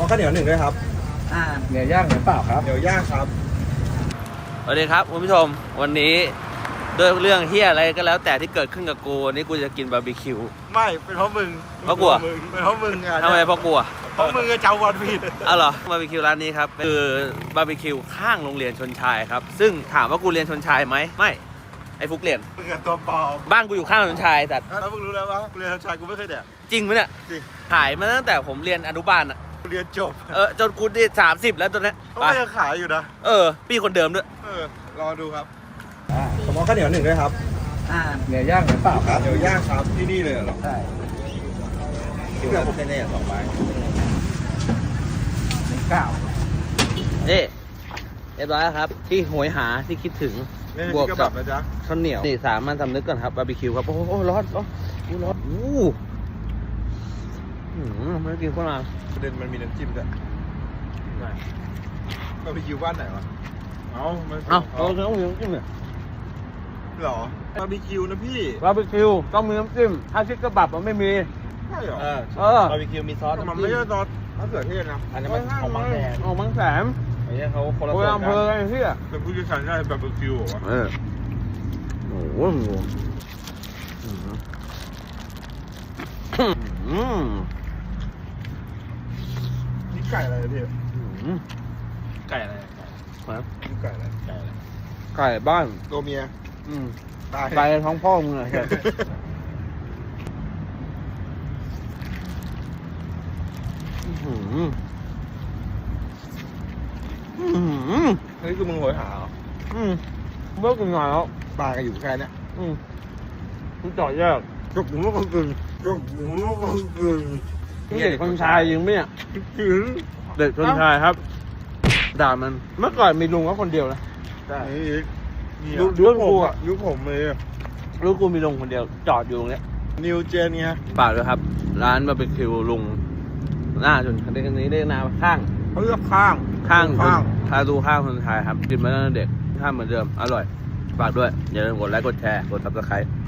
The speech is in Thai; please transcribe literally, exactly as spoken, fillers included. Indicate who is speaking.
Speaker 1: ข้าวเหนียวหนึ่งด้วยครับ
Speaker 2: อ่าเนื้อย่างหรือเปล่าครับ
Speaker 1: เดี๋ยวย่างครับ
Speaker 3: สวัสดีครับคุณผู้ชมวันนี้ด้วยเรื่องเฮียอะไรก็แล้วแต่ที่เกิดขึ้นกับกูวันนี้กูจะกินบาร์บีคิว
Speaker 1: ไม่เป็นเพราะมึง
Speaker 3: เพราะกู
Speaker 1: เป็นเพราะมึงอ่ะ
Speaker 3: ทำไมเพราะกู
Speaker 1: เพราะมึงจะเจ้าวันผิด
Speaker 3: อ้าวเหรอบาร์บีคิวร้านนี้ครับคือบาร์บีคิวข้างโรงเรียนชนชายครับซึ่งถามว่ากูเรียนชนชายไหมไม่ไอ้ฟุกเรียน
Speaker 1: มึงกับตัวปลอม
Speaker 3: บ้านกูอยู่ข้างชนชายแต่
Speaker 1: แล้วมึงรู้แล้วว่าเรียนชนชายกูไม่เคยแดก
Speaker 3: จริงไหมเนี่ย
Speaker 1: จริง
Speaker 3: ขายมาตั้งแต่ผมเรียนอนุบาลอะ
Speaker 1: เรียนจบ
Speaker 3: เออจนกูได้สามสิบแล้วตอนนี้
Speaker 1: เขาก็ยังขายอยู่นะ
Speaker 3: เออพี่คนเดิมด้วย
Speaker 1: เออรอดูครับผมเอาข้าวเหนียวหนึ่งด้วยครับ
Speaker 2: อ่าเนื้อย่างหรือเปล่าครับ
Speaker 1: เดี๋ยวย่างครับที่นี่เลยเหรอ
Speaker 2: ใช่
Speaker 1: ที่เราแน่ๆสองใบ
Speaker 2: หนึ่งเก้า
Speaker 3: นี่เรียบร้อยแล้วครับที่โหยหาที่คิดถึงบวกกับข้าวเหนียวนี่สามมันสำนึกก่อนครับบาร์บีคิวครับโอ้โหร้อนร้อนอู้ร้อนอู้หืมไม่ได้กินข้าวนา
Speaker 1: ประเด็นมันมีน้ำจิ้มด้วยบาร์บีคิวบ้านไหนวะเอ้า
Speaker 3: เอ้าเราต้องมีน้ำจิ้มเนี่ย
Speaker 1: หรอบาร์บีคิวนะพี่
Speaker 3: บาร์บีคิวต้องมีน้ำจิ้มถ้าชิคกระบับมันไม่มี
Speaker 1: ใช่หรอ
Speaker 3: เออบาร์บีคิวมีซอส
Speaker 1: มันไม่ใช่ซอสมะเขือเทศนะ
Speaker 3: อันนี้มันของบางแสนของบางแสนไอ้เนี่ยเขาคนละ
Speaker 1: ส่วน
Speaker 3: กันอำเภอไอ้เหี้ย
Speaker 1: เป็นผู้เชี่ยวชาญได้บาร์บีคิวเหรอ
Speaker 3: เออโอ้โหอืม
Speaker 1: นี่ไก่อะไรพี่
Speaker 3: ไก่อะไรครับ
Speaker 1: นี่ไก่อะไรไก่อะไร
Speaker 3: ไก่บ้าน
Speaker 1: ตัวเมีย
Speaker 3: อืมไก่ท้องพ่อมึงเลยอืมอืม
Speaker 1: นี่คือมึงโหยหาเหรอ
Speaker 3: อืมเบิกกินหน่อยแล้ว
Speaker 1: ปลากันอยู่แค่นี้
Speaker 3: อืมมันจ่อยแยก
Speaker 1: จุกหมูก็กึ่งจุกหมูก็กึ่ง
Speaker 3: เด็กคนชายยิงไหมอ่ะเด็กคนชายครับด่ามันเมื่อก่อนมีลุงก็คนเดียวนะ
Speaker 1: ใช่
Speaker 3: ยุคยุคกูอ่ะ
Speaker 1: ยุคผมเลย
Speaker 3: ยุคกูมีลุงคนเดียวจอดอยู่ตรงเนี้ย
Speaker 1: นิวเจนไง
Speaker 3: ปากเลยครับร้านบาร์บีคิวลุงหน้าจนคันนี้คันนี้ได้นาข้าง
Speaker 1: เขาเลือกข้าง
Speaker 3: ข้างข้างทาดูข้างคนไทยครับกินมาตั้งแต่เด็กข้างเหมือนเดิมอร่อยฝากด้วยอย่าลืมกดไลค์กดแชร์กดซับสไครต์